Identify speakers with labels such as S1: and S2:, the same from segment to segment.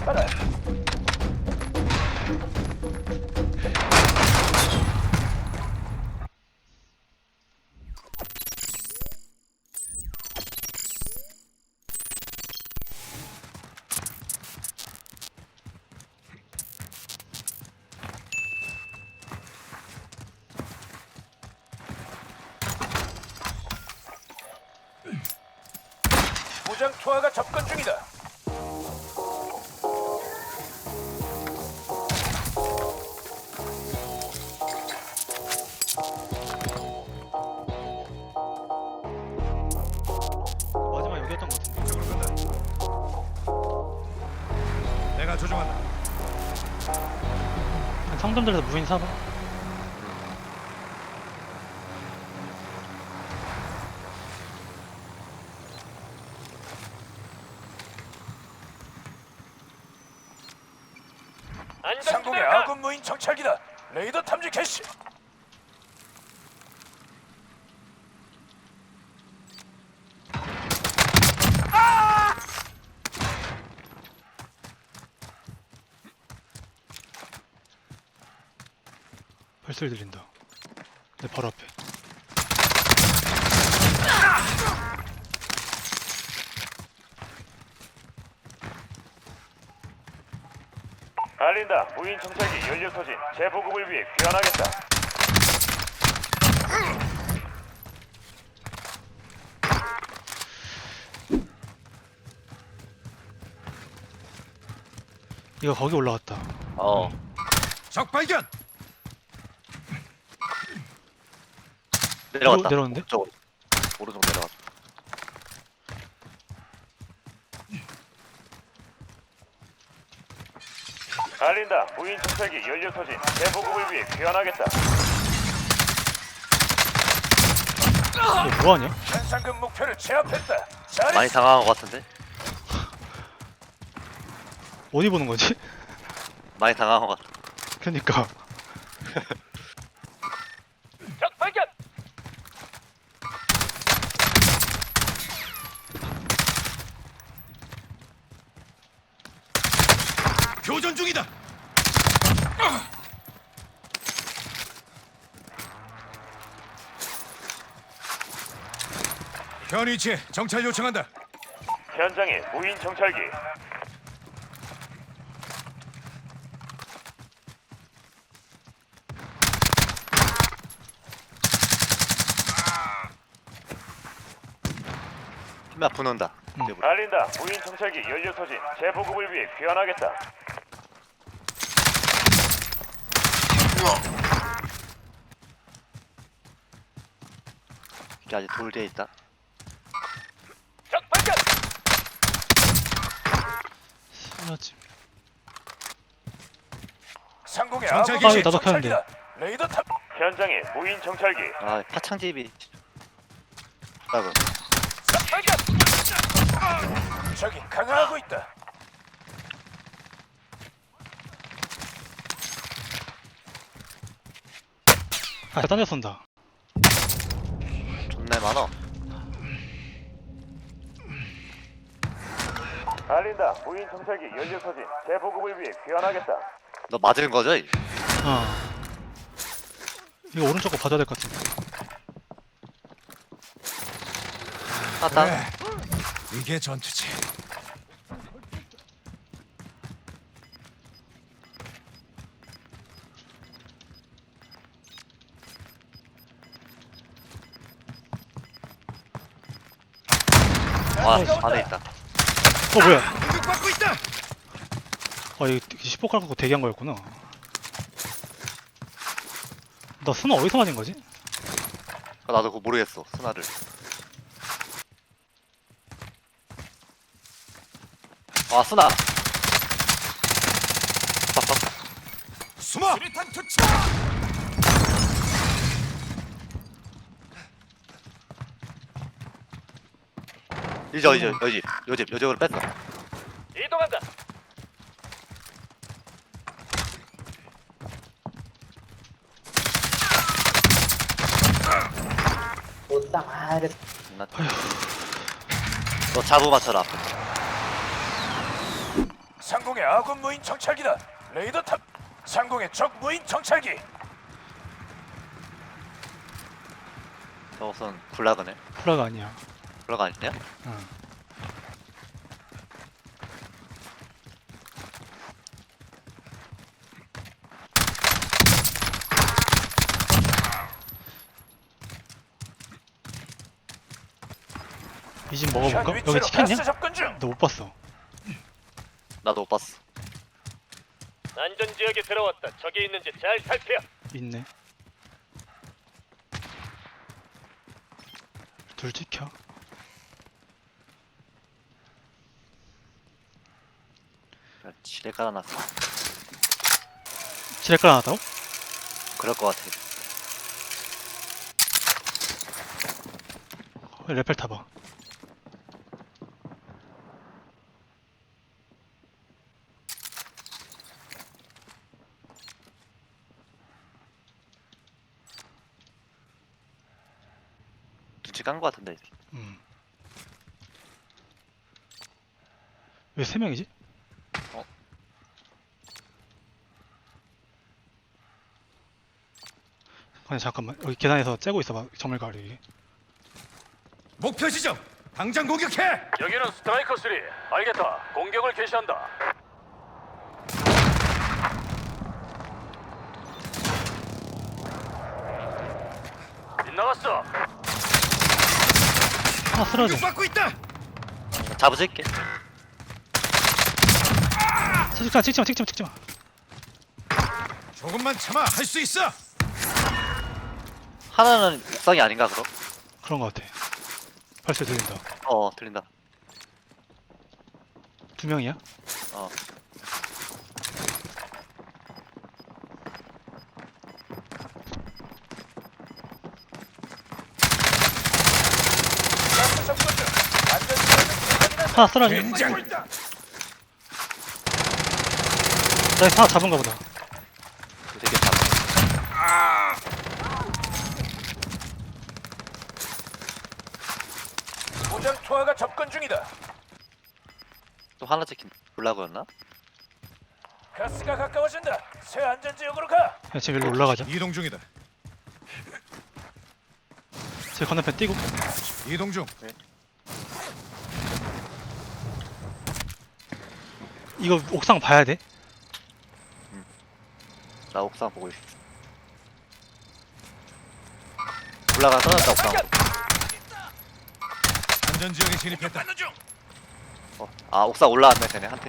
S1: 찾아라. 무장 투하가 접근 중이다.
S2: 마지막 여기였던 것 같은데.
S3: 이쪽으로 간다. 내가 조종한다.
S2: 상점들에서 무인 사봐.
S1: 상공의 아군 무인 정찰기다. 레이더 탐지 개시.
S2: 발소리 들린다. 내 바로 앞에.
S1: 알린다. 무인 정찰기 연료 소진 재보급을 위해 귀환하겠다.
S2: 이거 거기 올라갔다.
S3: 적 발견.
S4: 내려갔다.
S2: 내려오는데?
S4: 오른쪽으로. 오른쪽 내려갔다.
S1: 알린다. 무인 정찰기 연료 소진 재보급을 위해 귀환하겠다.
S2: 이거 뭐하냐?
S1: 현상금 목표를 제압했다.
S4: 많이 당황한 것 같은데?
S2: 어디 보는 거지?
S4: 많이 당황한 것 같아.
S2: 그니까.
S1: 적 발견.
S3: 교전 중이다. 현 위치에 정찰 요청한다.
S1: 현장에 무인 정찰기.
S4: 힘이 부는다.
S1: 알린다. 무인 정찰기 연료 소진 재보급을 위해 귀환하겠다.
S4: 이게 아직 돌 뒤에 있다.
S1: 적 발견.
S2: 신나지.
S1: 상공의
S3: 정찰기
S1: 아군
S2: 시- 나도 켰는데.
S1: 정찰기다. 레이더 탑. 현장에 무인 정찰기.
S4: 아, 파창집이. 아이고.
S1: 적 발견. 적이 강화하고 있다.
S2: 아, 딴 데 쏜다.
S4: 존나 많아.
S1: 알린다. 무인 정찰기 연료 소진 재보급을 위해 귀환하겠다.
S4: 너 맞은 거죠? 이?
S2: 이거 오른쪽 거 봐줘야 될 것 같은데.
S4: 땄다.
S3: 그래. 이게 전투지.
S4: 와, 안에 있다.
S2: 뭐야?
S3: 공격받고 있다.
S2: 이거 10호 깔고 대기한 거였구나. 나 스나 어디서 맞은 거지?
S4: 나도 그거 모르겠어. 스나를. 아, 스나.
S3: 숨어. 수리탄 투척.
S4: 이제 요집으로 뺐어.
S1: 이동한다.
S4: 너 자부 맞춰라.
S3: 상공의 아군 무인 정찰기다. 레이더 탑. 상공의 적 무인 정찰기.
S4: 저것은 굴라그네.
S2: 플라가 아니야.
S4: 굴라그 아니냐?
S2: 응. 이 집 먹어볼까? 여기 찍혔냐?
S3: 가스 접근 중.
S2: 너 못 봤어.
S4: 나도 못 봤어.
S1: 안전 지역에 들어왔다. 적이 있는지 잘 살펴.
S2: 있네. 둘 찍혀.
S4: 지뢰 깔아놨어.
S2: 지뢰 깔아놨다고?
S4: 그럴 것 같아.
S2: 레펠 타봐.
S4: 눈치 깐 것 같은데.
S2: 왜 3명이지?
S4: 어?
S2: 아니 잠깐만 여기 계단에서 째고 있어봐. 정말 가리.
S3: 목표 지점. 당장 공격해.
S1: 여기는 스트라이커 3. 알겠다. 공격을 개시한다. 빗나갔어.
S2: 하나 쓰러져.
S3: 공격받고 있다.
S4: 잡으실게.
S2: 찍지마.
S3: 조금만 참아. 할 수 있어.
S4: 하나는 옥상이 아닌가 그럼?
S2: 그런 거 같아. 발소리 들린다.
S4: 들린다.
S2: 2명이야?
S4: 어.
S3: 가스 접근 중. 안전 지역은
S2: 하나 쓰러져.
S3: 젠장.
S2: 나 하나 잡은가 보다.
S4: 되게 잡아.
S3: 무장 투하가 접근 중이다.
S4: 또 하나 찍힌 굴라그였나?
S3: 가스가 가까워진다. 새 안전 지역으로 가.
S2: 야, 지금 여기로 올라가자.
S3: 이동 중이다.
S2: 제 건너편 뛰고.
S3: 이동 중.
S2: 이거 옥상 봐야 돼.
S4: 나 옥상 보고 있어. 굴라가 떨어졌다 옥상.
S3: 안전 지역에 진입했다.
S4: 아 옥상 올라왔네 쟤네 한 팀.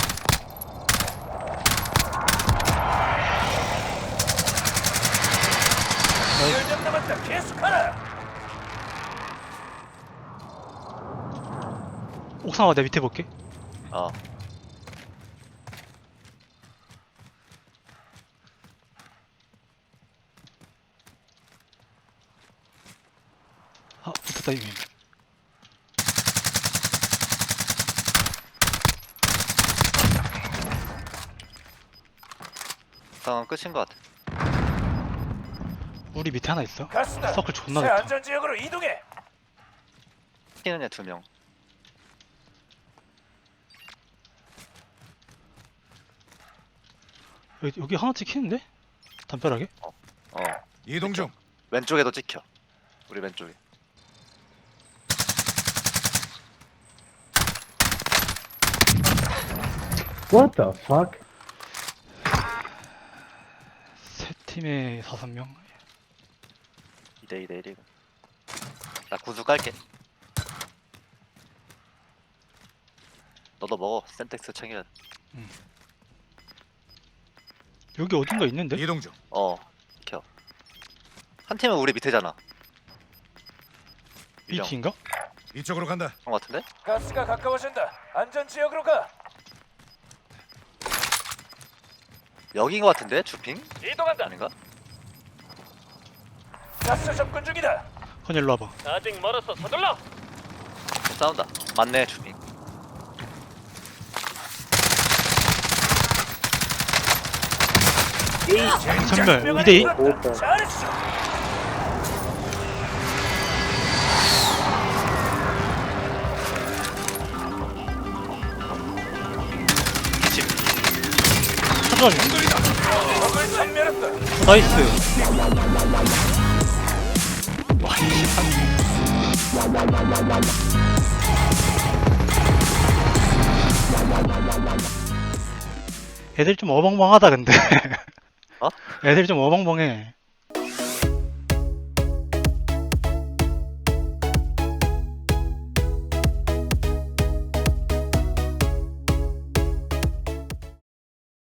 S3: 열점 남았다. 계속하라.
S2: 옥상 와, 내 밑에 볼게.
S4: 어.
S2: 아, 붙었다 이미.
S4: 옥상은 끝인 것 같아.
S2: 우리 밑에 하나 있어.
S3: 가스다.
S2: 서클 존나
S3: 새
S2: 좋다.
S3: 안전 지역으로 이동해.
S4: 튀는 애 2명.
S2: 여기 하나 찍히는데? 담벼락에?
S4: 어.
S3: 이동 중.
S4: 왼쪽에도 찍혀. 우리 왼쪽에.
S5: What the fuck?
S2: 세 팀에 5명.
S4: 2대 1이고. 나 구두 깔게. 너도 먹어. 센텍스 챙겨야 돼.
S2: 여기 어딘가 있는데?
S3: 이동 중.
S4: 켜. 한 팀은 우리 밑에잖아.
S2: 이
S4: 유령.
S2: 팀인가?
S3: 이쪽으로 간다.
S4: 그런 것 같은데?
S3: 가스가 가까워진다. 안전 지역으로 가.
S4: 여기인 것 같은데? 주핑?
S1: 이동한다.
S4: 아닌가?
S3: 가스 접근 중이다.
S2: 건이 일로 와봐.
S1: 아직 멀어서 서둘러.
S4: 싸운다. 맞네 주핑.
S2: 전멸 2대2.
S3: 잘했어.
S2: 수전이.
S3: 적을 섬멸했다.
S2: 나이스.
S4: 와, 이
S2: 애들 좀 어벙벙하다 근데.
S4: 어?
S2: 애들 좀 어벙벙해.